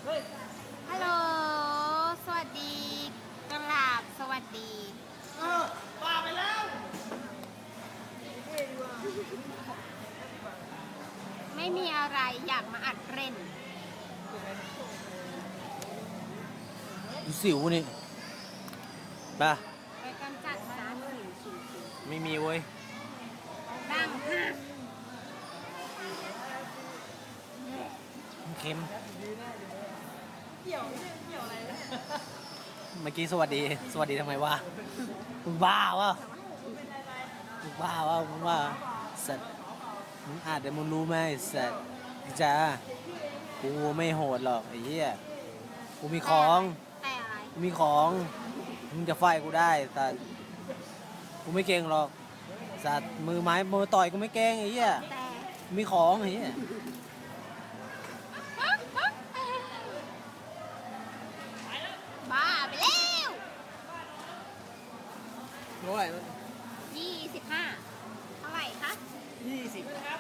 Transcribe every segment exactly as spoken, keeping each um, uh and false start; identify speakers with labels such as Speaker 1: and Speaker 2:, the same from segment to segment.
Speaker 1: ฮัลโหลสวัสดีกราบสวัสดี
Speaker 2: เออป่าไปแล้ว
Speaker 1: ไม่มีอะไรอยากมาอัดเล่น
Speaker 2: ดูสิวนี่ป่ะ
Speaker 1: ไปกำจัดสารสิวสิวสิว
Speaker 2: ไม่มีเว้ย
Speaker 1: ดังห้า
Speaker 2: เค็มเกี่ยวเกี่ยวอะไรเมื่อกี้สวัสดีสวัสดีทำไมวะมึงบ้าวะมึงบ้าวะมึงว่าสัตว์มึงอาจจะมึงรู้ไหมสัตว์จ้ากูไม่โหดหรอกไอ้เหี้ยกูมีของ
Speaker 1: แต่อะไร
Speaker 2: กูมีของมึงจะไฟกูได้แต่กูไม่เก่งหรอกสัตว์มือไม้มือต่อยกูไม่เก่งไอ้เหี้ยมีของไอ้เหี้ย
Speaker 1: บ้าไปแล้ว
Speaker 2: เท่าไหร่
Speaker 1: ยี่สิบห้าเท่าไหร่คะ
Speaker 2: ยี่สิบครับ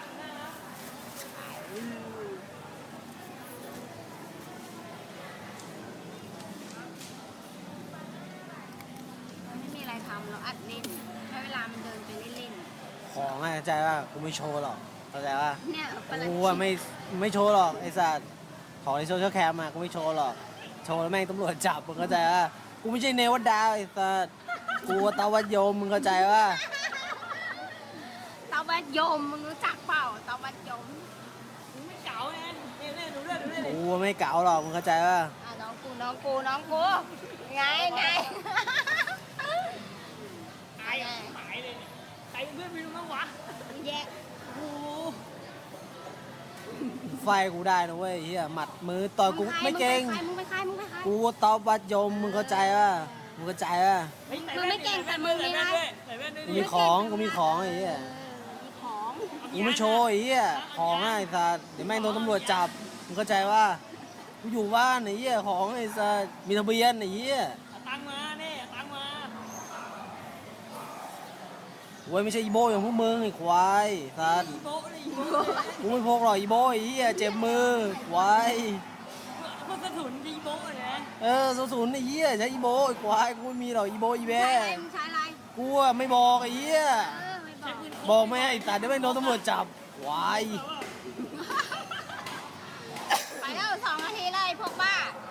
Speaker 1: ไม่มีอะไรทำเราอัดเล่นให้เวลามันเดินไปเล่น
Speaker 2: ของอ่ะเข้าใจว่ากูไม่โชว์หรอกเข้าใจว่า
Speaker 1: เนี่ย
Speaker 2: กูอ่ะไม่ไม่โชว์หรอกไอ้สัตว์ของในโซเชียลแคมอ่ะกูไม่โชว์หรอกโชว์แล้วแม่งตำรวจจับมึงเข้าใจว่ากูไม่ใช่เนวัดดาวไอ้สัตว์กูตาวัดโยมมึงเข้าใจว่า
Speaker 1: ตาวัดยมมึงรู้จักเปล่าตาวัดยม
Speaker 2: มึงไม่เก๋าไงเล่นเล่นดูเล่นดูเล่นกูไม่เก๋าหรอกมึงเข้าใจว่า
Speaker 1: อ่ะน้องกูน้องกูน้องกูไงไง
Speaker 2: ตายหายเลยใครเพื่อนไม่รู้มั้งวะ
Speaker 1: แย่
Speaker 2: กูไฟกูได้นะเว้ยเฮียหมัดมือต่อยกูไม่เก่ง
Speaker 1: มึงไปใครมึงไปใคร
Speaker 2: กูตอบวัดยมมึงเข้าใจว่ามึงเข้าใจว่า
Speaker 1: มึงไม่เก่งแต่มึงมีอะไร
Speaker 2: กูมีของกูมีของไอ้เหี้ย
Speaker 1: มีของ
Speaker 2: กูไม่โชว์ไอ้เหี้ยของไอ้สัสเดี๋ยวแม่งโดนตำรวจจับมึงเข้าใจว่ากูอยู่บ้านไอ้เหี้ยของไอ้สัสมีทะเบียนไอ้เหี้ยตังมาเนี่ยตังมาโว้ยไม่ใช่อีโบอย่างพวกมึงไอ้ควายสัสกูไม่พกหรอกอีโบไอ้เหี้ยเจ็บมือควาย
Speaker 3: พวกกระสุนอีโบะนะ
Speaker 2: เออสูศูนย์ไอ้เหี้ยใช้อีโบไอ้ควายกูไม่มีหรอกอีโบอีแบ
Speaker 1: ใช้อะไรมึงใช้อะไร
Speaker 2: กูอะไม่บอกไอ้เหี้ย
Speaker 1: เออไม่บอก
Speaker 2: บอกไม่ให้ไอ้สัตว์เดี๋ยวไม่โดนตำรวจจับควาย
Speaker 1: ไปแล้วสองนาทีเลยพวกบ้า